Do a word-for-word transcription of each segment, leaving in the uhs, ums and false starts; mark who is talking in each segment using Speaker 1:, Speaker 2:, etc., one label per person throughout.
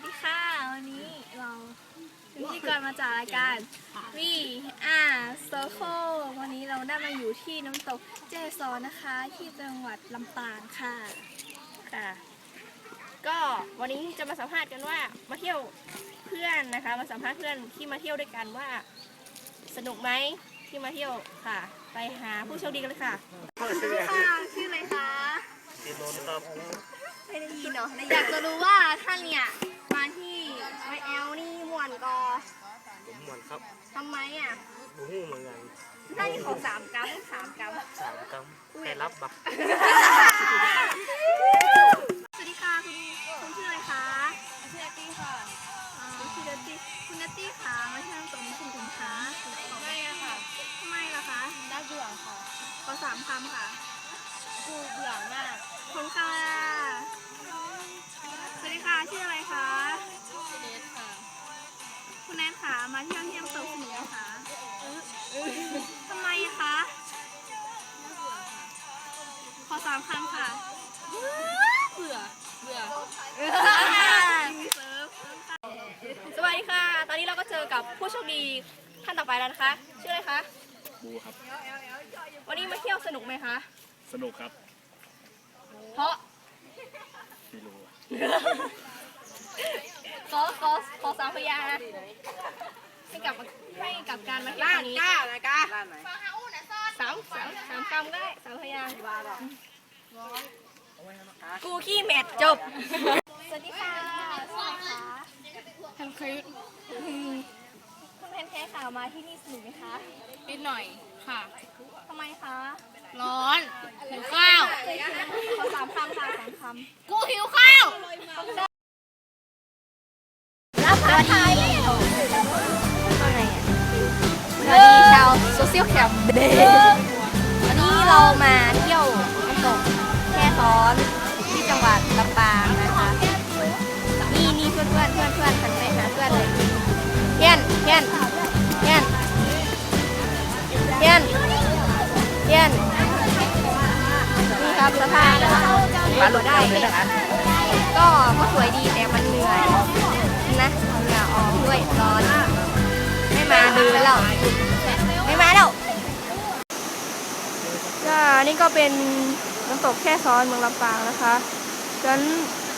Speaker 1: สดีค่ะวันนี้เราเป็นพิธีกรมาจากรายการวีอาร์โซโควันนี้เราได้มาอยู่ที่น้ำตกแจ้ซ้อนนะคะที่จังหวัดลำปางค่ะ
Speaker 2: ค่ะก็วันนี้จะมาสัมภาษณ์กันว่ามาเที่ยวเพื่อนนะคะมาสัมภาษณ์เพื่อนที่มาเที่ยวด้วยกันว่าสนุกไหมที่มาเที่ยวค่ะไปหาผู้โชคดีกันเลยค่ะ
Speaker 1: ค่ะชื่ออะไรคะ
Speaker 3: ติดนนครับ
Speaker 1: ไม่ได้ยินเนาะอยากจะรู้ว่าท่านเนี่ยมาที่ไวแอลนี่ม่วนกอ
Speaker 3: ผมหมอนครับ
Speaker 1: ทำไมอ่ะ
Speaker 3: บูฮู้เหมือนกัน
Speaker 1: ท่านนี่ของสามกัมสามกัม
Speaker 3: สามกำแต่รับบัก
Speaker 1: สวัสดีค่ะคุณคุณชื่ออะไรคะชื่อเนตตี้ค่ะชื่อเนตตี้คุณเนตตี้ค่ะมาที่น้ำตกนี้คุณถึงคะไม่อะค่ะทำไมล่ะคะน่าเบื่อค่ะขอสามคำค่ะกูเบื่อมากคนค่ะสวัสดีค่ะชื่ออะไรคะชื่อเนตค่ะคุณแนทค่ะมาเที่ยวที่น้ำตกสนุกไหมคะทำไมคะขอสามคำค่ะเบื่อเบื่อ
Speaker 2: สวัสดีค่ะตอนนี้เราก็เจอกับผู้โชคดีท่านต่อไปแล้วนะคะชื่ออะไรคะ
Speaker 4: บูครับ
Speaker 2: วันนี้มาเที่ยวสนุกไหมคะ
Speaker 4: สนุกครับ
Speaker 2: เพราะ
Speaker 4: ไม่รู้อะ
Speaker 2: ขอขอขอสามพยางค์นะให้กับให้กับการมาเที่ยวครั้งนี้ก้านะก้าสามสามสามคำก็ได้สามพยางค์กูขี้เม็ดจบ
Speaker 1: สวัสดีค่ะสวัสดีค่ะแพนเค้กคุณแพนเค้กค่ะมาที่นี่สนุกไหมคะ
Speaker 5: นิดหน่อยค่ะ
Speaker 1: ทำไมคะ
Speaker 5: ร้อนหิวข้าว
Speaker 1: ขอสามคำค่ะสามค
Speaker 5: กูหิวข้าว
Speaker 1: ำรับผ้าไทยแล้วว่าไงอ่ะสวัสดีชาวโซเชียลแคมป์วันนี้เรามาเที่ยวน้ำตกแค่ซ้อนที่จังหวัดลำปางนะคะนี่นี่เพื่อนเพื่อนเพื่อนเพื่อนหันไปหาเพื่อนเลยเพี้ยนเพี้ยนเพี้ยนเพี้ยนเพี้ยนนี่ครับสภาพมาหลดได้ก็ก็สวยดีแต่มันเหนื่อยนะเหงื่อออกด้วยร้อนไม่มาดูแล้วไม่มาแล้วก็นี่ก็เป็นน้ำตกแค่ซ้อนเมืองลำปางนะคะชั้น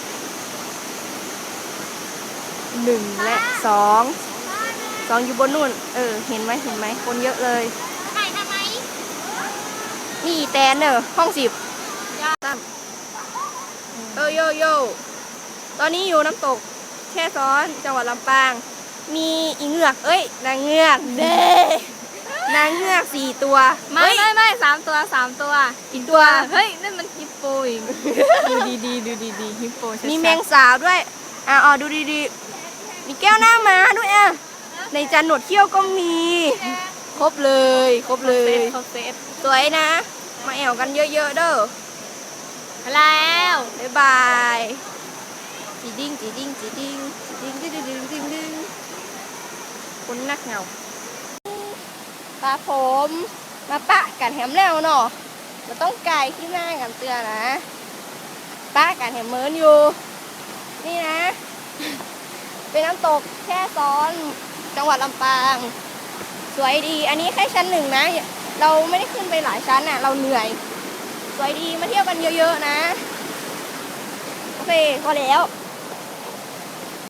Speaker 1: หนึ่งและสองสองอยู่บนนู่นเออเห็นไหมเห็นไหมคนเยอะเลย
Speaker 5: ถ่ายทำไม
Speaker 1: นี่แตนเนอร์ห้องสิบตั้มเออโยโย่ตอนนี้อยู่น้ำตกแค่ซ้อนจังหวัดลำปางมีอีเงือกเอ้ยนางเงือกเด้นางเงือกสี่ตัว
Speaker 5: ไม่ไม่ไม่สามตัวสามตัว
Speaker 1: อีกตัว
Speaker 5: เฮ้ยนั่นมันฮิปโปอีกดูดีดีดูดีดีฮิปโปชัดๆ
Speaker 1: มีแมงสาวด้วยอ่ะอ๋อดูดีๆมีแก้วหน้าม้าด้วยอ่ะในจานหนวดเขี้ยวก็มีครบเลยครบเลย
Speaker 5: เขาเซต
Speaker 1: สวยนะมาแอวกันเยอะๆเด้อ
Speaker 5: แล้ว
Speaker 1: บ๊ายบายจีดิ้งจีดิ้งจีดิ้งจีดิ้งจีดิ้งจีดิ้งจีดิ้งคนนักเหงาปลาผมมาปะกันแหมแล้วเนาะเราต้องไกลที่หน้ากันเตือนนะปะกันแหมเมินอยู่นี่นะ เป็นน้ำตกแค่ซ้อนจังหวัดลำปางสวยดีอันนี้แค่ชั้นหนึ่งนะเราไม่ได้ขึ้นไปหลายชั้นน่ะเราเหนื่อยสวยดีมาเที่ยวกันเยอะๆนะโอเคพอแล้ว